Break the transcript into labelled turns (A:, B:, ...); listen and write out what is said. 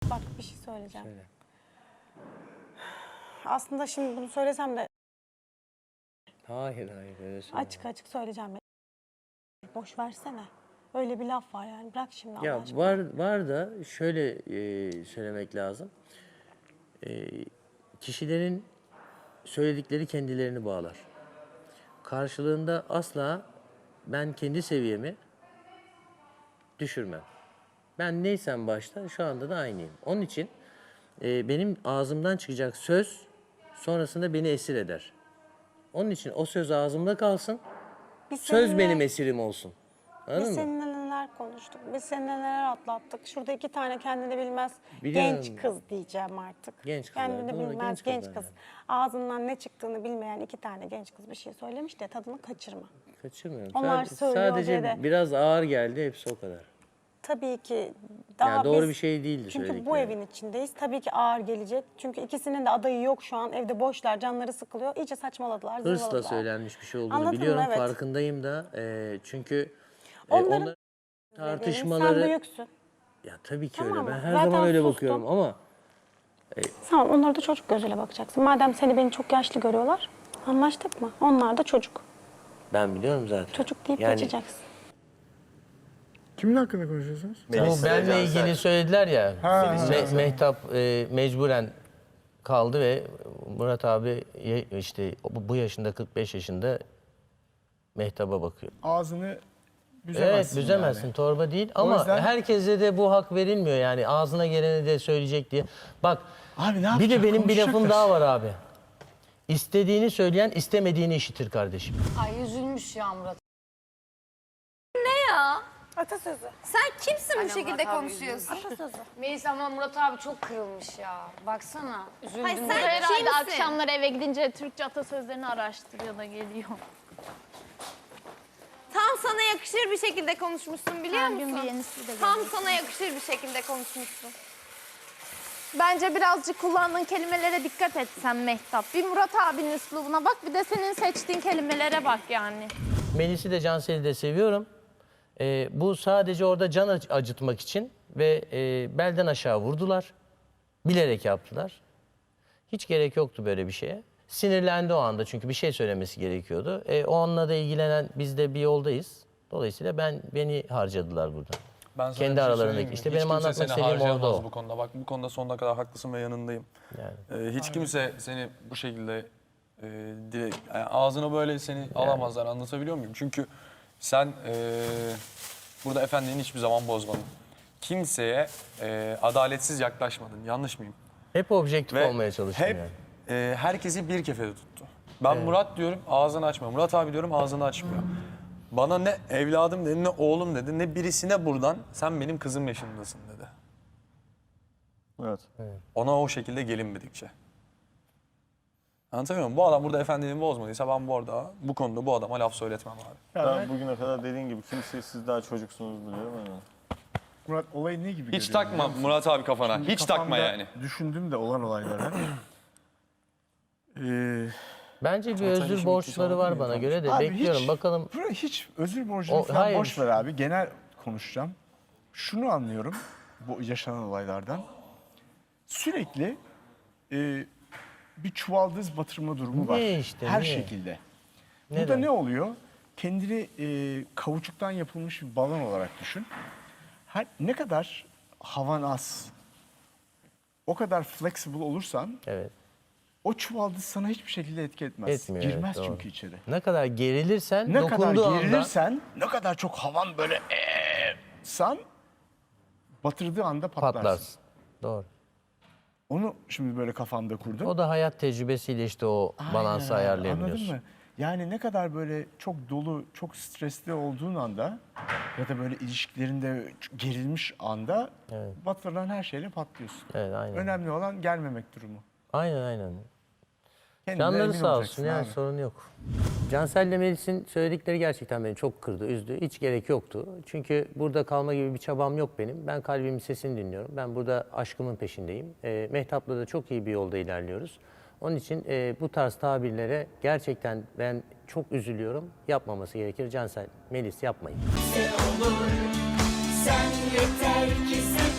A: Bak bir şey söyleyeceğim.
B: Söyle.
A: Aslında şimdi bunu söylesem de
B: Hayır öyle söyleme.
A: açık söyleyeceğim. Boş versene. Öyle bir laf var yani. Bırak şimdi Allah
B: Ya
A: aşkına.
B: var da şöyle söylemek lazım. Kişilerin söyledikleri kendilerini bağlar. Karşılığında asla ben kendi seviyemi düşürmem. Ben neysem başta şu anda da aynıyım. Onun için benim ağzımdan çıkacak söz sonrasında beni esir eder. Onun için o söz ağzımda kalsın,
A: Biz
B: söz
A: seninle-
B: benim esirim olsun. Anladın
A: Biz
B: mı?
A: seninle neler konuştuk. Biz seninle neler atlattık. Şurada 2 tane kendini bilmez
B: Biliyorum.
A: genç kız diyeceğim artık.
B: Genç kızlar,
A: Kendini
B: doğru,
A: bilmez
B: genç
A: genç
B: kızlar
A: kız.
B: yani.
A: Ağzından ne çıktığını bilmeyen 2 tane genç kız bir şey söylemiş de tadını kaçırma.
B: Kaçırmıyorum.
A: Onlar söylüyor
B: Sadece
A: diye de-
B: biraz ağır geldi, hepsi o kadar.
A: Tabii ki daha
B: Yani doğru
A: biz-
B: bir şey değildi
A: Çünkü bu
B: söyledikleri.
A: evin içindeyiz. Tabii ki ağır gelecek. Çünkü ikisinin de adayı yok şu an. Evde boşlar, canları sıkılıyor. İyice saçmaladılar,
B: Hırsla
A: zırvaladılar.
B: söylenmiş bir şey olduğunu
A: Anladın mı?
B: biliyorum,
A: Evet.
B: farkındayım da. Çünkü
A: Onların-
B: onların
A: Sen
B: tartışmaları...
A: büyüksün.
B: Ya tabii ki
A: Tamam
B: öyle. Ben
A: mı?
B: her
A: Zaten
B: zaman öyle
A: sustum.
B: bakıyorum ama...
A: Tamam, onlara da çocuk gözüyle bakacaksın. Madem seni beni çok yaşlı görüyorlar, anlaştık mı? Onlar da çocuk.
B: Ben biliyorum zaten.
A: Çocuk deyip
B: Yani
A: geçeceksin.
C: Kimin hakkında konuşuyorsunuz?
B: bu benle ilgili söylediler ya,
C: Melis
B: Mehtap mecburen kaldı ve Murat abi işte bu yaşında, 45 yaşında Mehtap'a bakıyor.
C: Ağzını büzemezsin.
B: Evet, büzemezsin,
C: yani.
B: torba değil ama
C: yüzden-
B: herkese de bu hak verilmiyor yani, ağzına geleni de söyleyecek diye. Bak,
C: Abi ne
B: bir de
C: yapacak?
B: benim bir lafım
C: Konuşacaklar.
B: daha var abi. İstediğini söyleyen istemediğini işitir kardeşim.
D: Ay üzülmüş ya Murat.
A: Atasözü.
D: Sen kimsin bu şekilde konuşuyorsun?
A: Atasözü.
D: Melis ama Murat abi çok kırılmış ya. Baksana. Üzüldüm.
E: Hayır, sen
D: ya.
E: herhalde
D: Kimsin?
E: akşamları eve gidince Türkçe atasözlerini araştırıyor da geliyor. Tam sana yakışır bir şekilde konuşmuşsun biliyor Her gün musun? bir yenisi de Tam geliyor. sana yakışır bir şekilde konuşmuşsun. Bence birazcık kullandığın kelimelere dikkat et sen Mehtap. Bir Murat abinin üslubuna bak, bir de senin seçtiğin kelimelere bak yani.
B: Melis'i de Cansel'i de seviyorum. Bu sadece orada can acıtmak için ve belden aşağı vurdular. Bilerek yaptılar. Hiç gerek yoktu böyle bir şeye. Sinirlendi o anda çünkü bir şey söylemesi gerekiyordu. O anla da ilgilenen biz de bir yoldayız. Dolayısıyla beni harcadılar burada.
F: Ben sana
B: Kendi
F: bir şey
B: aralarındaki.
F: söyleyeyim mi?
B: İşte
F: Hiç
B: benim
F: kimse
B: anlatmak
F: seni
B: istediğim orada
F: harcayamaz
B: o.
F: bu konuda. Bak bu konuda sonuna kadar haklısın ve yanındayım.
B: Yani.
F: Hiç kimse seni bu şekilde yani ağzına böyle seni alamazlar, anlatabiliyor muyum? Çünkü sen burada efendiliğini hiçbir zaman bozmadın. Kimseye adaletsiz yaklaşmadın. Yanlış mıyım?
B: Hep objektif
F: Ve
B: olmaya çalıştım
F: hep
B: yani.
F: herkesi bir kefede tuttu. Ben Murat diyorum, ağzını açmıyor. Murat abi diyorum, ağzını açmıyor. Bana ne evladım dedi, ne oğlum dedi, ne birisine buradan sen benim kızım yaşındasın dedi.
C: Evet.
F: Ona o şekilde gelinmedikçe. Anlatabiliyor muyum? Bu adam burada efendiliğini bozmadıysa ben bu konuda bu adama laf söyletmem abi.
G: Ben bugüne kadar dediğin gibi kimseyi siz daha çocuksunuz biliyorum ama.
C: Murat olayı ne gibi
F: Hiç
C: görüyorsun
F: takma
C: biliyor musun?
F: Murat abi kafana.
C: Şimdi
F: Hiç takma
C: kafamda
F: yani.
C: Düşündüm de olan olayları.
B: Bence bir
F: Zaten
B: özür
F: işin
B: borçları
F: bitti,
B: var
F: sonra
B: bana
F: değil
B: göre de
C: Abi
B: bekliyorum
C: hiç-
B: bakalım.
C: hiç özür borcunu falan
B: hayır.
C: boş ver abi. Genel konuşacağım. Şunu anlıyorum bu yaşanan olaylardan. Sürekli bir çuvaldız batırma durumu var.
B: Ne işte,
C: Her
B: ne?
C: şekilde.
B: Neden?
C: Burada ne oluyor? Kendini kauçuktan yapılmış bir balon olarak düşün. Ne kadar havan az, o kadar flexible olursan
B: Evet.
C: o çuvaldız sana hiçbir şekilde etki etmez.
B: Etmiyor, evet,
C: Girmez
B: doğru.
C: çünkü içeri.
B: Ne kadar gerilirsen,
C: Ne kadar
B: dokunduğu anda
C: gerilirsen, ne kadar çok havan böyle san, batırdığı anda patlarsın.
B: patlarsın. Doğru.
C: Onu şimdi böyle kafamda kurdum.
B: O da hayat tecrübesiyle işte o balansı
C: Aynen,
B: ayarlayabiliyorsun.
C: anladın mı? Yani ne kadar böyle çok dolu, çok stresli olduğun anda ya da böyle ilişkilerinde gerilmiş anda batırılan her şeyle patlıyorsun.
B: Evet, aynen.
C: Önemli olan gelmemek durumu.
B: Aynen.
C: Kendinden
B: Canları
C: emin
B: sağ
C: olacaksın
B: olsun yani
C: abi.
B: sorun yok. Cansel'le Melis'in söyledikleri gerçekten beni çok kırdı, üzdü. Hiç gerek yoktu. Çünkü burada kalma gibi bir çabam yok benim. Ben kalbimin sesini dinliyorum. Ben burada aşkımın peşindeyim. Mehtap'la da çok iyi bir yolda ilerliyoruz. Onun için bu tarz tabirlere gerçekten ben çok üzülüyorum. Yapmaması gerekir. Cansel, Melis yapmayın.
H: Sen yeter ki sen